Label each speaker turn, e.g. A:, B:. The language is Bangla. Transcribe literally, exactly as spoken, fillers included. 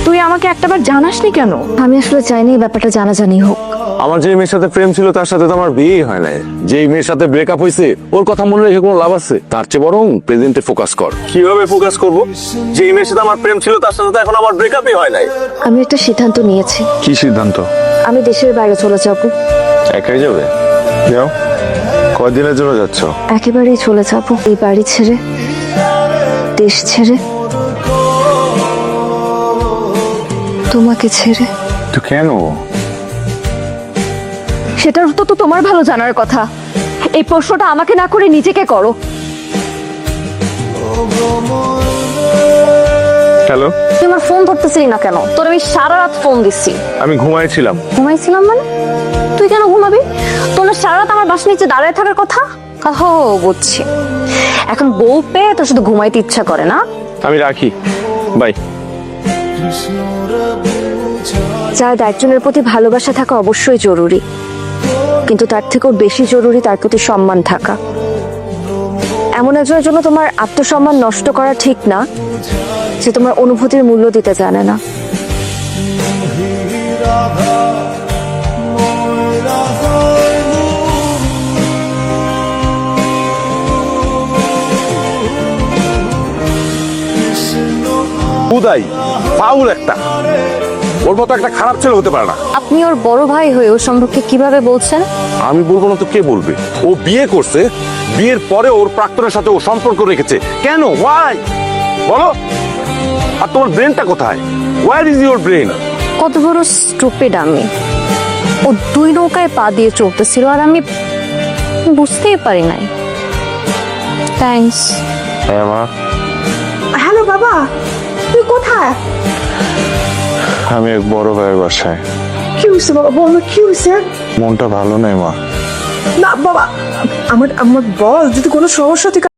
A: তুই আমাকে একটাবার জানাসনি কেন?
B: আমি আসলে চাইনি এই ব্যাপারটা জানাজানি হোক।
C: আমার যে মেয়ের সাথে প্রেম ছিল তার সাথে তো আমার বিয়েই হয় নাই। যে মেয়ের সাথে ব্রেকআপ হয়েছে ওর কথা মনে রেখে কোনো লাভ আছে? তার চেয়ে বরং প্রেজেন্টে ফোকাস কর। কিভাবে ফোকাস করব? যে মেয়ের সাথে আমার প্রেম ছিল তার সাথে তো এখন আমার ব্রেকআপই হয় নাই।
B: আমি একটা সিদ্ধান্ত নিয়েছি,
C: কি সিদ্ধান্ত?
B: আমি দেশের বাইরে চলে যাব।
C: একাই যাবে? যাও। কয়দিনের জন্য যাচ্ছ?
B: একেবারেই চলে যাব, এই বাড়ি ছেড়ে, দেশ ছেড়ে, তোমাকে ছেড়ে।
C: তো কেন?
B: সেটার উত্তর তো তোমার ভালো জানার কথা। এই প্রশ্নটা আমাকে না করে নিজেকে করো।
C: হ্যালো,
B: তুই আমার ফোন ধরতেছিলি না কেন? তোর আমি সারা রাত ফোন দিচ্ছি।
C: আমি ঘুমাইছিলাম।
B: ঘুমাইছিলাম মানে? তুই কেন ঘুমাবি? তোর না সারা রাত আমার বাসার নিচে দাঁড়ায় থাকার কথা। হো, বুঝছি। এখন বউ পেয়ে তোর শুধু ঘুমাইতে ইচ্ছা করে না।
C: আমি রাখি, বাই।
B: যার একজনের প্রতি ভালোবাসা থাকা অবশ্যই জরুরি, কিন্তু তার থেকেও বেশি জরুরি তার প্রতি সম্মান থাকা। এমন একজনের জন্য তোমার আত্মসম্মান নষ্ট করা ঠিক না, যে তোমার অনুভূতির মূল্য দিতে জানে না।
C: উদয় ফাউল একটা, ওর মতো একটা খারাপ ছেলে হতে পারে না।
B: আপনি ওর বড় ভাই হয়ে ওর সম্পর্কে কিভাবে বলছেন?
C: আমি বলবো না তো কে বলবে? ও বিয়ে করছে, বিয়ের পরে ওর প্রাক্তনের সাথে ও সম্পর্ক রেখেছে। কেন? ওয়াই বলো? আর তোমার ব্রেনটা কোথায়? Where is your brain?
B: কত বড় স্টুপিড আমি! ও দুই নৌকায় পা দিয়ে চলতেছিল আর আমি বুঝতেই পারি নাই। থ্যাঙ্কস।
C: হ্যাঁ মা।
A: হ্যালো বাবা, তুই কোথায়?
C: আমি এক বড় ভাইয়ের বাসায়।
A: কি হয়েছে বাবা, বল না কি হয়েছে?
C: মনটা ভালো নেই মা।
A: না বাবা, আমার আমার বল, যদি কোনো সমস্যা থেকে